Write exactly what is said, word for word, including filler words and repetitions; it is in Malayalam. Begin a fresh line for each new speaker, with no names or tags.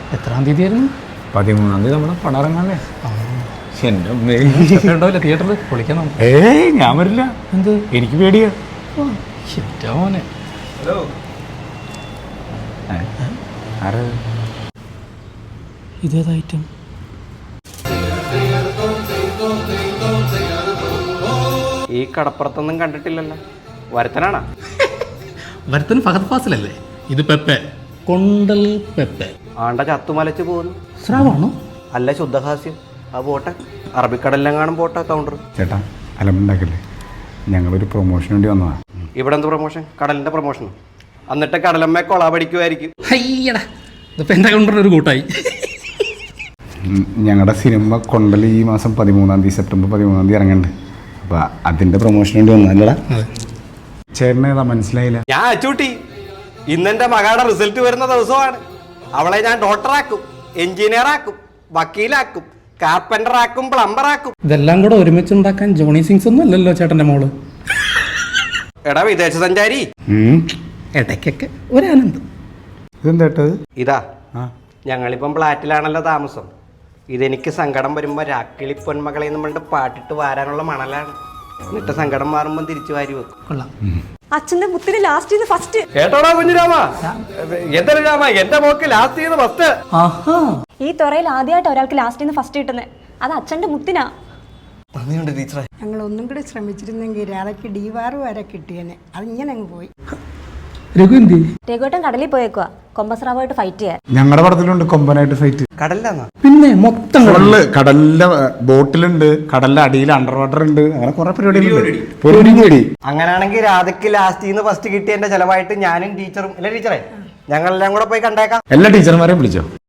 എത്രാം തീയതി ആയിരുന്നു?
പതിമൂന്നാം തീയതി നമ്മുടെ പടം ഇറങ്ങാല്ലേ?
ഉണ്ടാവില്ല തിയേറ്ററിൽ പൊളിക്കണം.
ഏയ് ഞാൻ വരില്ല.
എന്ത്?
എനിക്ക് പേടിയാ.
മോനെ ഇതേത് ഐറ്റം?
ഈ കടപ്പുറത്തൊന്നും കണ്ടിട്ടില്ലല്ലോ. വരുത്തനാണോ?
വരുത്തൻ ഫഹദ് ഫാസിലല്ലേ? ഇത് പെപ്പെ, കൊണ്ടൽ പെപ്പെ.
ആണ്ട ചത്തുമലച്ച് പോകുന്നു.
സ്രാവാണോ?
അല്ല, ശുദ്ധഹാസ്യം. ആ പോട്ടെ, അറബിക്കടലിലും കാണും പോട്ടെ കൗണ്ടർ.
ചേട്ടാ അലമ്പുണ്ടാക്കല്ലേ, ഞങ്ങളൊരു പ്രൊമോഷൻ വേണ്ടി വന്നതാ.
ഇവിടെ എന്ത് പ്രൊമോഷൻ? കടലിന്റെ പ്രൊമോഷൻ. എന്നിട്ട് കടലമ്മ കൊള പഠിക്കുമായിരിക്കും.
അയ്യടാ, ഇതിപ്പോൾ എൻ്റെ കൗണ്ടറിന് ഒരു കൂട്ടായി.
ഞങ്ങളുടെ സിനിമ കൊണ്ടൽ ഈ മാസം പതിമൂന്നാം തീയതി സെപ്റ്റംബർ പതിമൂന്നാം തീയതി ഇറങ്ങുന്നുണ്ട്. അപ്പോൾ അതിൻ്റെ പ്രൊമോഷൻ വേണ്ടി വന്നല്ലടാ. ചേട്ടന് ഏതാ മനസ്സിലായില്ല?
ഞാൻ അച്ചൂട്ടി, ഇന്നെന്റെ മകളുടെ റിസൾട്ട് വരുന്ന ദിവസമാണ്. അവളെ ഞാൻ ഡോക്ടറാക്കും, എഞ്ചിനീയർ ആക്കും, വക്കീലാക്കും, കാർപ്പൻ്റർ ആക്കും, പ്ലംബർ ആക്കും.
ഇതെല്ലാം കൂടെ ഒരുമിച്ചുണ്ടാക്കാൻ ജോണി സിങ്സ് ഒന്നും അല്ലല്ലോ ചേട്ടൻ്റെ മോള്.
എടാ വിദേശ സഞ്ചാരി,
ഇടയ്ക്കൊക്കെ ഒരാനന്ദം.
ഇതെന്താട്ടത്?
ഇതാ ഞങ്ങളിപ്പം ഫ്ലാറ്റിലാണല്ലോ താമസം. ഇതെനിക്ക് സങ്കടം വരുമ്പോൾ രാക്കിളി പൊന്മകളെ നമ്മളുടെ പാട്ടിട്ട് വാരാനുള്ള മണലാണ്. എന്നിട്ട് സങ്കടം മാറുമ്പോൾ തിരിച്ചു വാരി വെക്കും.
കൊള്ളാം.
അച്ഛന്റെ മുത്തിന് ലാസ്റ്റ് ചെയ്ത് ഫസ്റ്റ്.
കേട്ടോടാ കുഞ്ഞുരാമ, എന്തൊരു രാമ, എന്റെ മോക്ക് ലാസ്റ്റ് ചെയ്ത് ഫസ്റ്റ്.
ഈ തുറയിൽ ആദ്യമായിട്ട് ഒരാൾക്ക് ലാസ്റ്റ് ചെയ്ത് ഫസ്റ്റ് കിട്ടുന്നത് അത് അച്ഛന്റെ മുത്തിനാ.
ടീച്ചറെ,
ഞങ്ങൾ ഒന്നും കൂടി ശ്രമിച്ചിരുന്നെങ്കിൽ രാധയ്ക്ക് ഡിവാറ് വരെ കിട്ടിയേനെ. അത് ഇങ്ങനെ അങ്ങ് പോയി.
രഘു എന്തി?
രഘുവേട്ടൻ കടലിൽ പോയേക്കുക കൊമ്പസ്രാവായിട്ട് ഫൈറ്റ് ചെയ്യാൻ.
ഞങ്ങളുടെ പടത്തിലുണ്ട് കൊമ്പനായിട്ട് ഫൈറ്റ്.
കടലിലാന്നാ?
പിന്നെ മൊത്തം
കടലില് കടലിലെ ബോട്ടിലുണ്ട്, കടലിന്റെ അടിയിൽ അണ്ടർ വാട്ടർ ഉണ്ട്, അങ്ങനെ കുറെ പരിപാടികളുണ്ട്.
അങ്ങനെയാണെങ്കിൽ രാധയ്ക്ക് ലാസ്റ്റ് ചെയ്യുന്ന ഫസ്റ്റ് കിട്ടിയതിന്റെ ചെലവായിട്ട് ഞാനും ടീച്ചറും അല്ലെ ടീച്ചറെ ഞങ്ങളെല്ലാം കൂടെ പോയി കണ്ടേക്കാം.
എല്ലാ ടീച്ചർമാരെയും വിളിച്ചോ?